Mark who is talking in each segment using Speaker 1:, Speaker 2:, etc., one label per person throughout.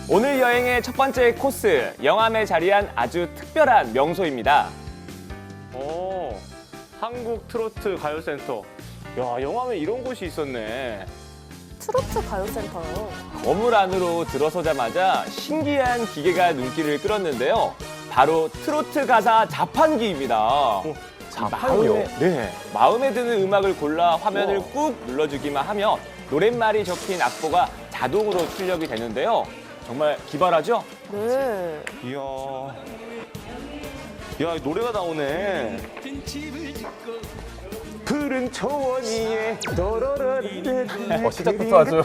Speaker 1: 오늘 여행의 첫 번째 코스, 영암에 자리한 아주 특별한 명소입니다. 오, 한국 트로트 가요센터. 야, 영암에 이런 곳이 있었네.
Speaker 2: 트로트 가요센터요.
Speaker 1: 건물 안으로 들어서자마자 신기한 기계가 눈길을 끌었는데요. 바로 트로트 가사 자판기입니다.
Speaker 3: 자판기요?
Speaker 1: 마음에 드는 음악을 골라 화면을 꾹 눌러주기만 하면 노랫말이 적힌 악보가 자동으로 출력이 되는데요. 정말 기발하죠?
Speaker 2: 네.
Speaker 3: 이야. 야, 노래가 나오네. 푸른 초원 위에
Speaker 4: 시작부터 아주.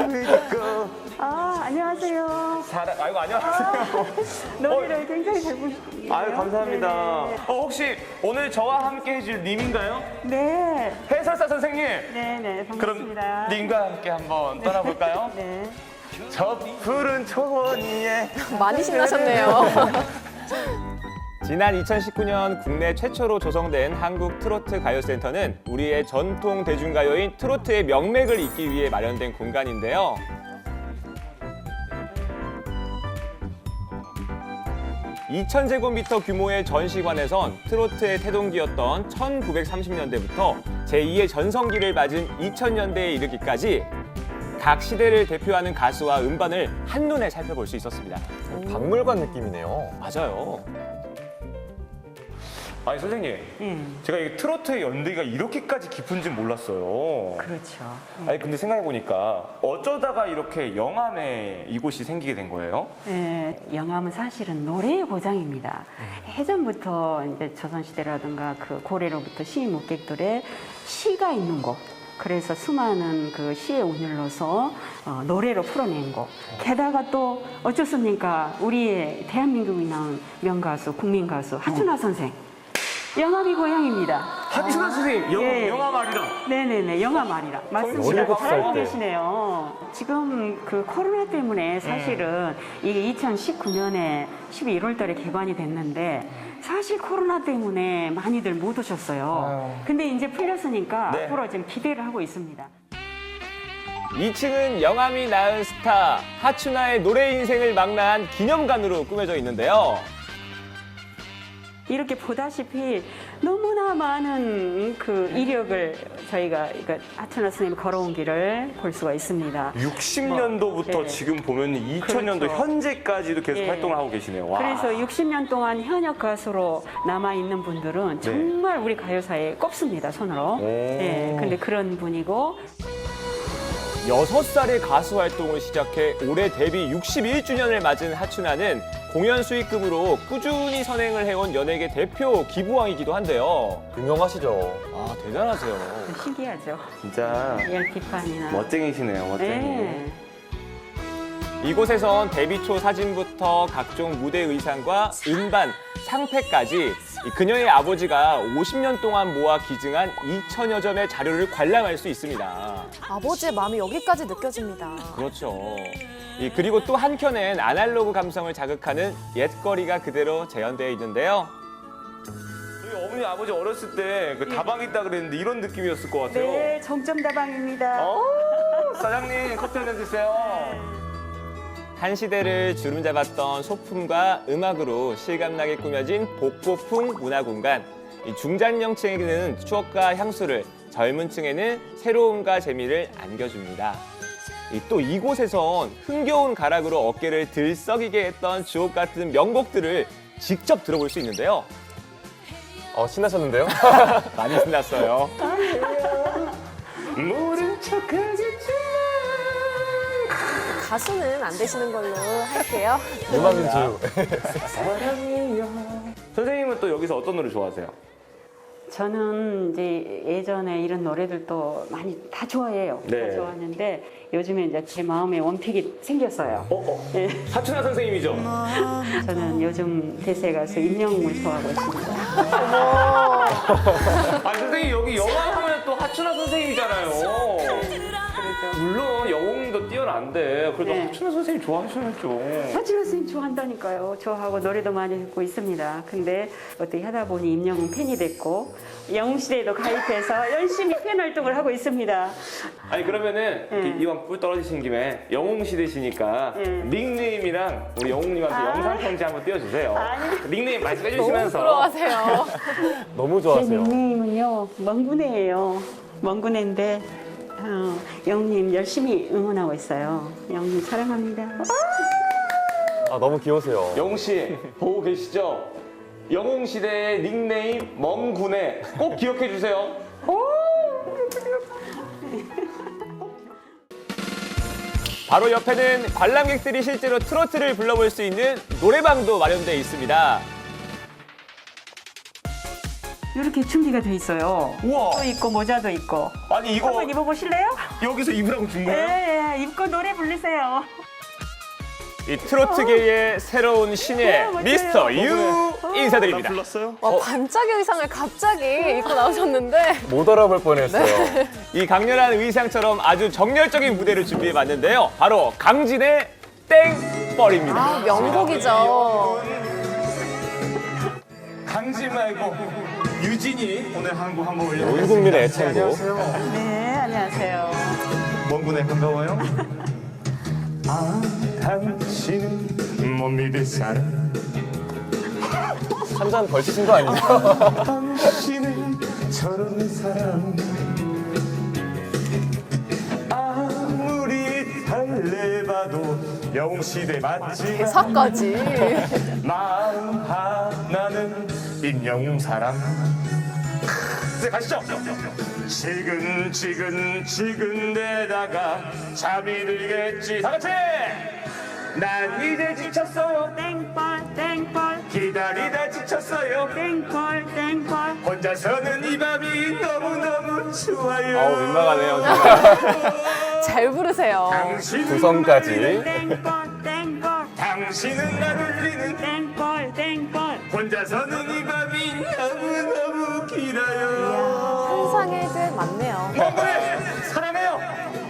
Speaker 5: 아, 안녕하세요.
Speaker 1: 아이고, 안녕하세요.
Speaker 5: 노래를 굉장히 잘 부르시네요.
Speaker 1: 아유, 감사합니다. 혹시 오늘 저와 함께 해줄 님인가요?
Speaker 5: 네.
Speaker 1: 해설사 선생님.
Speaker 5: 네네,
Speaker 1: 그럼
Speaker 5: 반갑습니다.
Speaker 1: 님과 함께 한번 떠나볼까요?
Speaker 5: 네.
Speaker 1: 저 푸른 초원 위에.
Speaker 2: 많이 신나셨네요.
Speaker 1: 지난 2019년 국내 최초로 조성된 한국 트로트 가요센터는 우리의 전통 대중가요인 트로트의 명맥을 잇기 위해 마련된 공간인데요. (2000제곱미터) 규모의 전시관에선 트로트의 태동기였던 1930년대부터 제2의 전성기를 맞은 2000년대에 이르기까지 각 시대를 대표하는 가수와 음반을 한눈에 살펴볼 수 있었습니다.
Speaker 4: 박물관 느낌이네요.
Speaker 1: 맞아요.
Speaker 3: 아니, 선생님. 제가 이 트로트의 연대가 이렇게까지 깊은지 몰랐어요.
Speaker 5: 그렇죠.
Speaker 3: 아니, 근데 생각해보니까 어쩌다가 이렇게 영암에 이곳이 생기게 된 거예요?
Speaker 5: 네, 영암은 사실은 노래의 고장입니다. 예전부터 이제 조선시대라든가 그 고래로부터 시인 묵객들의 시가 있는 곳. 그래서 수많은 그 시의 운율로서 노래로 풀어낸 곡. 게다가 또 어쩌습니까? 우리의 대한민국이 나온 명가수, 국민가수 하춘화 선생. 영암이 고향입니다.
Speaker 3: 하춘화 선생님,
Speaker 5: 예.
Speaker 3: 영암 아리랑.
Speaker 5: 네네네, 영암 아리랑. 맞습니다.
Speaker 4: 17살
Speaker 5: 잘 알고
Speaker 4: 때.
Speaker 5: 계시네요. 지금 그 코로나 때문에 사실은 이게 2019년에 12월 달에 개관이 됐는데 사실 코로나 때문에 많이들 못 오셨어요. 근데 이제 풀렸으니까
Speaker 3: 네.
Speaker 5: 앞으로 지금 기대를 하고 있습니다.
Speaker 1: 2층은 영암이 낳은 스타 하춘화의 노래 인생을 망라한 기념관으로 꾸며져 있는데요.
Speaker 5: 이렇게 보다시피 너무나 많은 그 이력을 저희가 하춘화 선생님이 걸어온 길을 볼 수가 있습니다.
Speaker 3: 60년도부터
Speaker 5: 네.
Speaker 3: 지금 보면 2000년도
Speaker 5: 그렇죠.
Speaker 3: 현재까지도 계속
Speaker 5: 예.
Speaker 3: 활동을 하고 계시네요. 와.
Speaker 5: 그래서 60년 동안 현역 가수로 남아있는 분들은 정말 우리 가요사에 꼽습니다, 손으로. 예, 근데 그런 분이고
Speaker 1: 6살에 가수 활동을 시작해 올해 데뷔 61주년을 맞은 하춘화는 공연 수익금으로 꾸준히 선행을 해온 연예계 대표 기부왕이기도 한데요.
Speaker 4: 유명하시죠?
Speaker 1: 아, 대단하세요.
Speaker 5: 신기하죠.
Speaker 3: 진짜
Speaker 5: 열비판이나.
Speaker 3: 멋쟁이시네요, 멋쟁이.
Speaker 5: 네.
Speaker 1: 이곳에선 데뷔 초 사진부터 각종 무대 의상과 음반, 상패까지 그녀의 아버지가 50년 동안 모아 기증한 2천여 점의 자료를 관람할 수 있습니다.
Speaker 2: 아버지의 마음이 여기까지 느껴집니다.
Speaker 1: 그렇죠. 그리고 또 한켠엔 아날로그 감성을 자극하는 옛거리가 그대로 재현되어 있는데요.
Speaker 3: 저희 어머니 아버지 어렸을 때 그 다방 있다 그랬는데 이런 느낌이었을 것 같아요.
Speaker 5: 네, 정점다방입니다.
Speaker 3: 사장님 커피 한잔 주세요.
Speaker 1: 한 시대를 주름잡았던 소품과 음악으로 실감나게 꾸며진 복고풍 문화공간. 중장년층에게는 추억과 향수를, 젊은 층에는 새로움과 재미를 안겨줍니다. 또 이곳에선 흥겨운 가락으로 어깨를 들썩이게 했던 주옥 같은 명곡들을 직접 들어볼 수 있는데요.
Speaker 4: 신나셨는데요?
Speaker 1: 많이 신났어요.
Speaker 3: 모른 척하겠지만
Speaker 2: 가수는 안 되시는 걸로 할게요.
Speaker 4: 음악인주.
Speaker 3: 사랑이여. 선생님은 또 여기서 어떤 노래 좋아하세요?
Speaker 5: 저는 이제 예전에 이런 노래들도 많이 다 좋아해요.
Speaker 3: 네.
Speaker 5: 다 좋아하는데 요즘에 이제 제 마음에 원픽이 생겼어요. 네.
Speaker 3: 하춘화 선생님이죠?
Speaker 5: 저는 요즘 대세 가수 임영웅을 좋아하고 있습니다.
Speaker 3: 아 선생님 여기 영화 하면 또 하춘화 선생님이잖아요.
Speaker 5: 해야죠.
Speaker 3: 물론 영웅도 뛰어난데 그래도
Speaker 5: 네.
Speaker 3: 하춘우 선생님 좋아하셔야죠.
Speaker 5: 하지만 선생님 좋아한다니까요. 좋아하고 노래도 많이 듣고 있습니다. 근데 어떻게 하다 보니 임영웅 팬이 됐고 영웅시대에도 가입해서 열심히 팬 활동을 하고 있습니다.
Speaker 3: 아니 그러면은 이렇게
Speaker 5: 네.
Speaker 3: 이왕 뿔 떨어지신 김에 영웅 시대시니까
Speaker 5: 네.
Speaker 3: 닉네임이랑 우리 영웅님한테
Speaker 5: 아.
Speaker 3: 영상 편지 한번 띄워주세요.
Speaker 5: 아니.
Speaker 3: 닉네임 말씀해
Speaker 2: 너무
Speaker 3: 주시면서.
Speaker 2: 부러워하세요.
Speaker 4: 너무
Speaker 5: 제
Speaker 4: 좋아하세요.
Speaker 5: 닉네임은요 먼구네예요. 먼구네인데 영웅님 열심히 응원하고 있어요. 영웅님 사랑합니다.
Speaker 4: 아, 너무 귀여우세요.
Speaker 3: 영웅 씨 보고 계시죠? 영웅 시대의 닉네임 멍군에 꼭 기억해 주세요.
Speaker 1: 바로 옆에는 관람객들이 실제로 트로트를 불러볼 수 있는 노래방도 마련되어 있습니다.
Speaker 5: 이렇게 준비가 돼 있어요.
Speaker 3: 우와.
Speaker 5: 또 있고 모자도 있고.
Speaker 3: 아니 이거
Speaker 5: 한번 입어보실래요?
Speaker 3: 여기서 입으라고 준 거예요?
Speaker 5: 네, 입고 노래 부르세요.
Speaker 1: 이 트로트계의 새로운 신예
Speaker 5: 맞아요.
Speaker 1: 미스터 유 인사드립니다.
Speaker 3: 불렀어요?
Speaker 2: 와, 반짝이 의상을 갑자기 입고 나오셨는데
Speaker 4: 못 알아볼 뻔했어요.
Speaker 1: 이 강렬한 의상처럼 아주 정열적인 무대를 준비해봤는데요. 바로 강진의 땡벌입니다.
Speaker 2: 아, 명곡이죠.
Speaker 3: 강지 말고 유진이 오늘 한곡 한번 올려드렸습니다.
Speaker 4: 온 국민의 애창곡.
Speaker 3: 안녕하세요.
Speaker 5: 네, 안녕하세요.
Speaker 3: 먼 반가워요. 아 당신은 못 믿을 사람
Speaker 4: 한 잔 걸치신 거 아니죠?
Speaker 3: 당신은 저런 사람 아무리 달래봐도 영웅시대 맞지
Speaker 2: 대사까지.
Speaker 3: 마음 하나는 임영웅 사람. 이제 가시죠. 지근지근지근대다가 잠이 들겠지. 다 같이. 난 이제 지쳤어요.
Speaker 5: 땡벌, 땡벌,
Speaker 3: 기다리다 지쳤어요.
Speaker 5: 땡벌, 땡벌.
Speaker 3: 혼자서는 이 밤이 너무너무 좋아요.
Speaker 1: 어우, 민망하네요, 정말.
Speaker 2: 잘 부르세요.
Speaker 3: 당신은
Speaker 4: 구성까지.
Speaker 5: 땡벌, 땡벌,
Speaker 3: 당신은 날 울리는
Speaker 5: 땡벌, 땡벌.
Speaker 3: 혼자서는 이 밤이 너무너무 길어요.
Speaker 2: 환상의 듯 맞네요.
Speaker 3: 멍구네 사랑해요.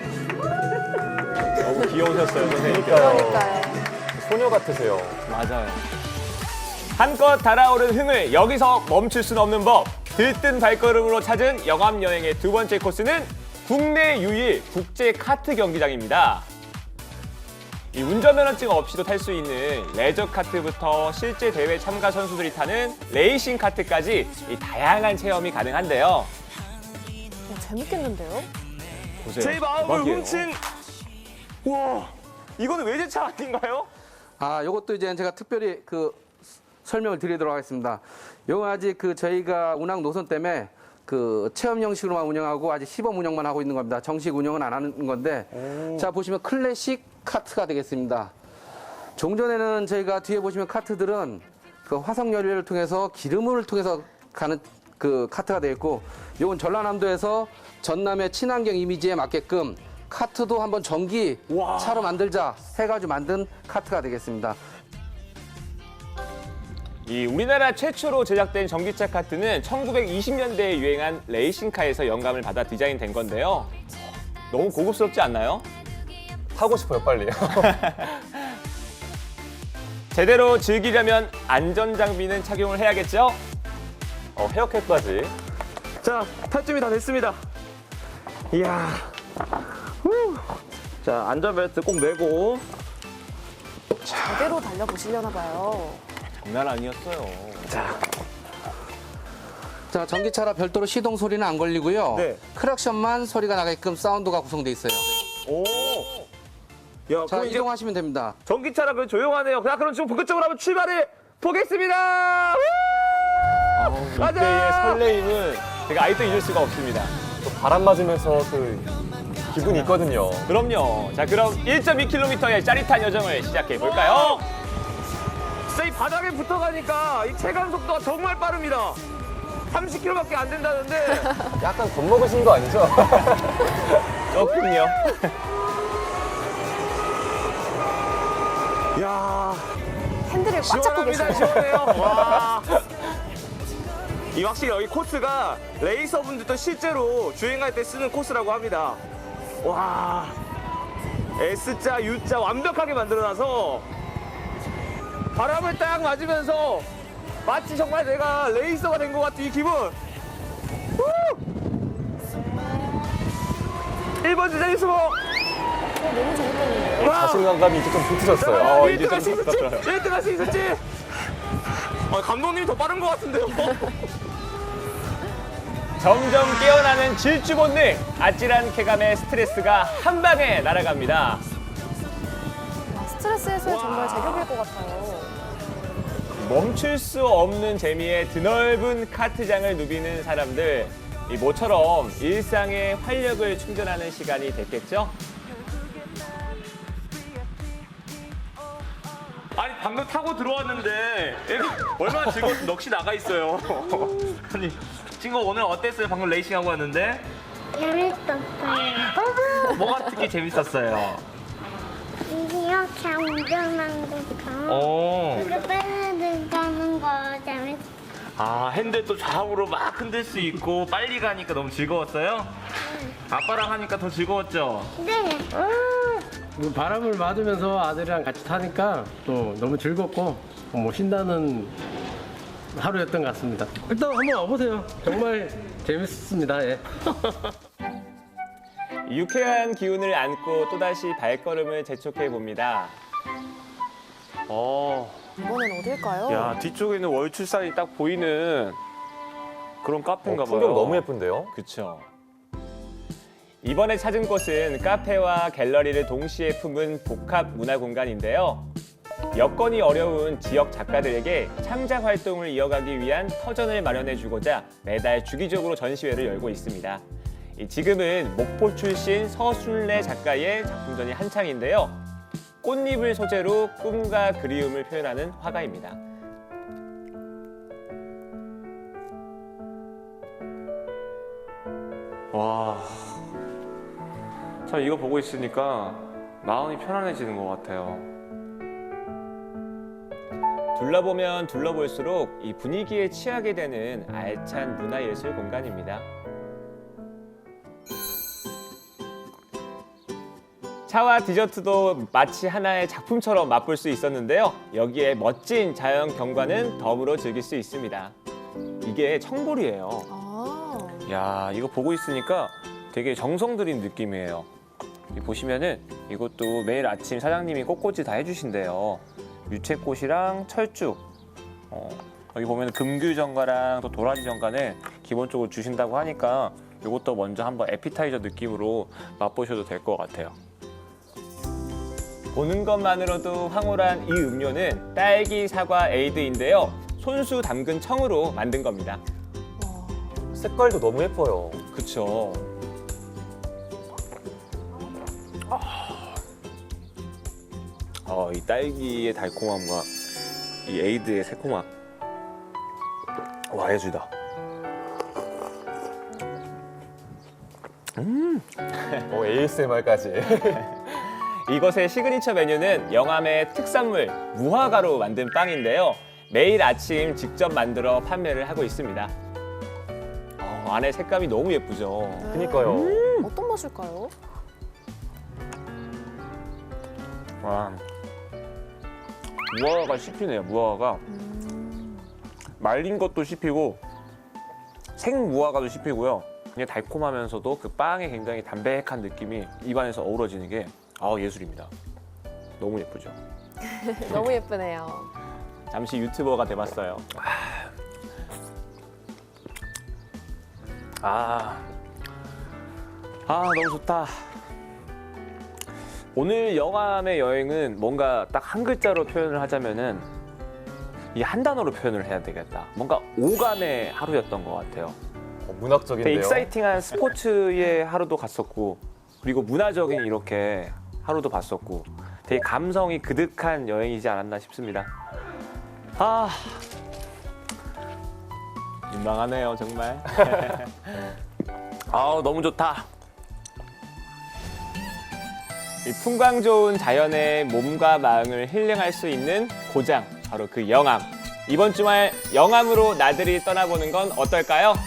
Speaker 1: 너무 귀여우셨어요, 선생님.
Speaker 2: 그러니까요.
Speaker 4: 소녀 같으세요.
Speaker 1: 맞아요. 한껏 달아오른 흥을 여기서 멈출 수는 없는 법. 들뜬 발걸음으로 찾은 영암 여행의 두 번째 코스는 국내 유일 국제 카트 경기장입니다. 이 운전면허증 없이도 탈 수 있는 레저 카트부터 실제 대회 참가 선수들이 타는 레이싱 카트까지 이 다양한 체험이 가능한데요.
Speaker 2: 야, 재밌겠는데요?
Speaker 1: 보세요.
Speaker 3: 제 마음을
Speaker 1: 대박이에요.
Speaker 3: 훔친. 와, 이거는 외제차 아닌가요?
Speaker 6: 아, 요것도 이제 제가 특별히 설명을 드리도록 하겠습니다. 요거 아직 저희가 운항 노선 때문에 체험 형식으로만 운영하고 아직 시범 운영만 하고 있는 겁니다. 정식 운영은 안 하는 건데, 자, 보시면 클래식 카트가 되겠습니다. 종전에는 저희가 뒤에 보시면 카트들은 화석 연료를 통해서 기름을 통해서 가는 카트가 되어 있고, 요건 전라남도에서 전남의 친환경 이미지에 맞게끔 카트도 한번 전기 차로 만들자 해가지고 만든 카트가 되겠습니다.
Speaker 1: 이 우리나라 최초로 제작된 전기차 카트는 1920년대에 유행한 레이싱카에서 영감을 받아 디자인된 건데요. 너무 고급스럽지 않나요?
Speaker 4: 타고 싶어요, 빨리.
Speaker 1: 제대로 즐기려면 안전장비는 착용을 해야겠죠?
Speaker 4: 헤어캡까지.
Speaker 3: 자, 탈춤이 다 됐습니다. 이야. 후. 자, 안전벨트 꼭 매고.
Speaker 2: 제대로 달려보시려나 봐요.
Speaker 1: 장난 아니었어요.
Speaker 6: 자, 전기차라 별도로 시동 소리는 안 걸리고요.
Speaker 3: 네.
Speaker 6: 크락션만 소리가 나게끔 사운드가 구성돼 있어요.
Speaker 3: 오. 야,
Speaker 6: 자,
Speaker 3: 그럼 이제
Speaker 6: 이동하시면 됩니다.
Speaker 3: 전기차라 그 조용하네요. 자, 그럼 지금 본격적으로 한번 출발해 보겠습니다.
Speaker 1: 이때의 설레임은 제가 아직도 잊을 수가 없습니다.
Speaker 4: 또 바람 맞으면서 기분이 있거든요.
Speaker 1: 그럼요. 자, 그럼 1.2km의 짜릿한 여정을 시작해 볼까요?
Speaker 3: 진짜 이 바닥에 붙어가니까 이 체감 속도가 정말 빠릅니다. 30km밖에 안 된다는데.
Speaker 4: 약간 겁먹으신 거 아니죠?
Speaker 1: 조금요.
Speaker 3: 야,
Speaker 2: 핸들을 꽉 잡고
Speaker 3: 시원합니다.
Speaker 2: 계시네요.
Speaker 3: 시원해요. 와. 이 확실히 여기 코스가 레이서분들도 실제로 주행할 때 쓰는 코스라고 합니다. 와, S자, U자 완벽하게 만들어놔서 바람을 딱 맞으면서 마치 정말 내가 레이서가 된 것 같은 이 기분. 1번 주자 유수모.
Speaker 2: 너무 재밌겠는데요?
Speaker 4: 자신감이 이제 좀 붙으셨어요.
Speaker 3: 1등 할 수 있었지? 1등 할 수 있었지? 감독님이 더 빠른 것 같은데요?
Speaker 1: 점점 깨어나는 질주 본능, 아찔한 쾌감의 스트레스가 한 방에 날아갑니다.
Speaker 2: 스트레스 해소에 정말 제격일 것 같아요.
Speaker 1: 멈출 수 없는 재미에 드넓은 카트장을 누비는 사람들, 이 모처럼 일상의 활력을 충전하는 시간이 됐겠죠?
Speaker 3: 아니 방금 타고 들어왔는데 얼마나 즐거웠지. 넋이 나가 있어요. 아니 친구 오늘 어땠어요? 방금 레이싱하고 왔는데
Speaker 7: 재밌었어요.
Speaker 3: 뭐가 특히 재밌었어요?
Speaker 7: 이렇게 운전하는 것처럼
Speaker 3: 어.
Speaker 7: 이렇게 빨리 가는 거 재밌어요.
Speaker 3: 아 핸들 또 좌우로 막 흔들 수 있고 빨리 가니까 너무 즐거웠어요? 아빠랑 하니까 더 즐거웠죠?
Speaker 7: 네.
Speaker 8: 뭐 바람을 맞으면서 아들이랑 같이 타니까 또 너무 즐겁고 뭐 신나는 하루였던 것 같습니다. 일단 한번 와보세요. 정말 재밌습니다. 예.
Speaker 1: 유쾌한 기운을 안고 또다시 발걸음을 재촉해 봅니다.
Speaker 2: 이번엔 어딜까요?
Speaker 3: 야 뒤쪽에는 월출산이 딱 보이는 그런 카페인가 봐요.
Speaker 4: 풍경 너무 예쁜데요?
Speaker 1: 그쵸. 이번에 찾은 곳은 카페와 갤러리를 동시에 품은 복합 문화 공간인데요. 여건이 어려운 지역 작가들에게 창작 활동을 이어가기 위한 터전을 마련해 주고자 매달 주기적으로 전시회를 열고 있습니다. 지금은 목포 출신 서술래 작가의 작품전이 한창인데요. 꽃잎을 소재로 꿈과 그리움을 표현하는 화가입니다.
Speaker 3: 와, 참 이거 보고 있으니까 마음이 편안해지는 것 같아요.
Speaker 1: 둘러보면 둘러볼수록 이 분위기에 취하게 되는 알찬 문화예술 공간입니다. 차와 디저트도 마치 하나의 작품처럼 맛볼 수 있었는데요. 여기에 멋진 자연 경관은 덤으로 즐길 수 있습니다. 이게 청보리예요.
Speaker 2: 아,
Speaker 3: 야, 이거 보고 있으니까 되게 정성 들인 느낌이에요. 여기 보시면은 이것도 매일 아침 사장님이 꽃꽂이 다 해주신대요. 유채꽃이랑 철쭉. 여기 보면 금귤전과랑 또 도라지전과는 기본적으로 주신다고 하니까 이것도 먼저 한번 에피타이저 느낌으로 맛보셔도 될 것 같아요.
Speaker 1: 보는 것만으로도 황홀한 이 음료는 딸기 사과 에이드인데요. 손수 담근 청으로 만든 겁니다.
Speaker 4: 색깔도 너무 예뻐요.
Speaker 1: 그쵸.
Speaker 3: 이 딸기의 달콤함과 이 에이드의 새콤함. 와, 예술이다.
Speaker 4: ASMR까지.
Speaker 1: 이곳의 시그니처 메뉴는 영암의 특산물 무화과로 만든 빵인데요. 매일 아침 직접 만들어 판매를 하고 있습니다. 안에 색감이 너무 예쁘죠.
Speaker 4: 그니까요.
Speaker 2: 어떤 맛일까요?
Speaker 3: 와, 무화과가 씹히네요. 무화과가 말린 것도 씹히고 생 무화과도 씹히고요. 그냥 달콤하면서도 그 빵에 굉장히 담백한 느낌이 입안에서 어우러지는 게 예술입니다. 너무 예쁘죠.
Speaker 2: 너무 예쁘네요.
Speaker 1: 잠시 유튜버가 돼봤어요.
Speaker 3: 너무 좋다. 오늘 영암의 여행은 뭔가 딱 한 글자로 표현을 하자면은 이 한 단어로 표현을 해야 되겠다. 뭔가 오감의 하루였던 것 같아요.
Speaker 4: 문학적인데요.
Speaker 3: 되게 익사이팅한 스포츠의 하루도 갔었고, 그리고 문화적인 이렇게 하루도 봤었고, 되게 감성이 그득한 여행이지 않았나 싶습니다.
Speaker 1: 민망하네요, 정말.
Speaker 3: 너무 좋다.
Speaker 1: 이 풍광 좋은 자연의 몸과 마음을 힐링할 수 있는 고장, 바로 그 영암. 이번 주말 영암으로 나들이 떠나보는 건 어떨까요?